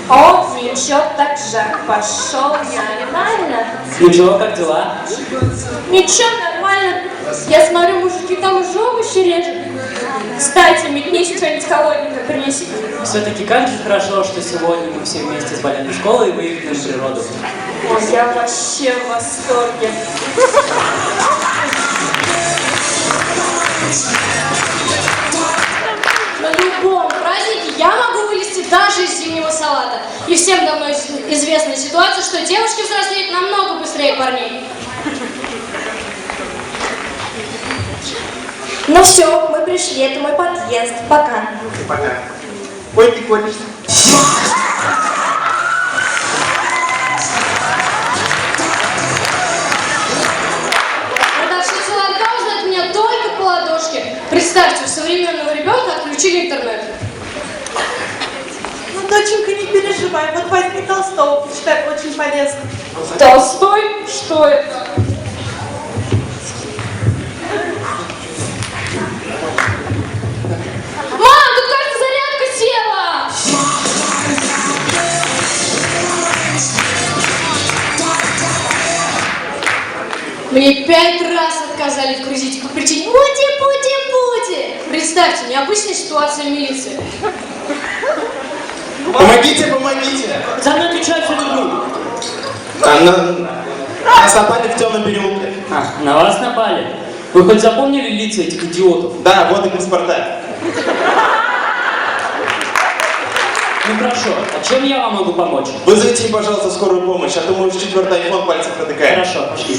О, ничего, так жар пошел, нормально. Ну чего, как дела? Ничего, нормально. Я смотрю, мужики там уже овощи режут. Кстати, метнись, что-нибудь холодненькое принеси. Все-таки как же хорошо, что сегодня мы все вместе сболели в школу и выехали на природу. Ой, я вообще в восторге. На любом празднике я могу вылезти даже из зимнего салата. И всем давно известна ситуация, что девушки взрослеют намного быстрее парней. Ну все, мы пришли, это мой подъезд. Пока. Пока. Ой, ты колешься. Продавщица ларька узнает меня только по ладошке. Представьте, у современного ребенка отключили интернет. Ну, доченька, не переживай, вот возьми Толстого, почитай, очень полезно. Толстой? Что это? Мам, тут, кажется, зарядка села! Мне 5 раз отказали в кредите по причине пути. Представьте, необычная ситуация в милиции. Помогите, помогите. За мной кричат всю игру. Нас напали в темном переулке. А, на вас напали. Вы хоть запомнили лица этих идиотов? Да, вот их паспорта. Ну хорошо, а чем я вам могу помочь? Вызовите, пожалуйста, скорую помощь, а то мой 4-й айфон пальцев протыкает. Хорошо, пошлите.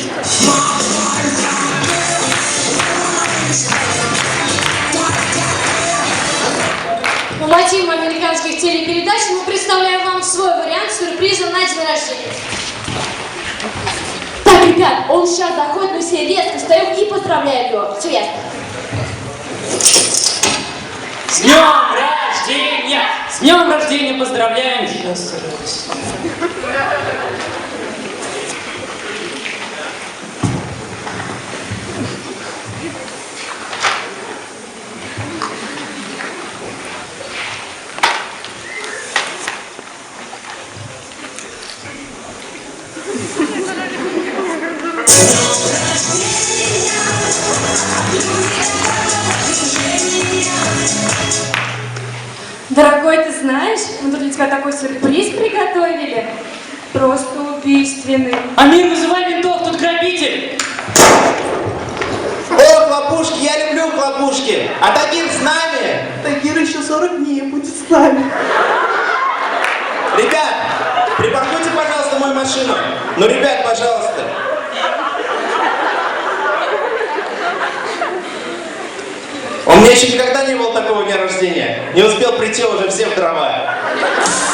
По мотивам американских телепередач мы представляем вам свой вариант сюрприза на день рождения. Так, ребят, он сейчас заходит, мы все резко встаем и поздравляем его. Все ясно. С днем рождения! С днем рождения поздравляем! Счастья, радости. Дорогой, ты знаешь, мы тут для тебя такой сюрприз приготовили. Просто убийственный. Амир, вызывай ментов, тут грабитель! О, хлопушки, я люблю хлопушки. А Тагир с нами. Тагир еще 40 дней будет с нами. Ребят, припаркуйте, пожалуйста, мою машину. Ну, ребят, пожалуйста. У меня еще никогда не было такого дня рождения. Не успел прийти, уже все в дрова.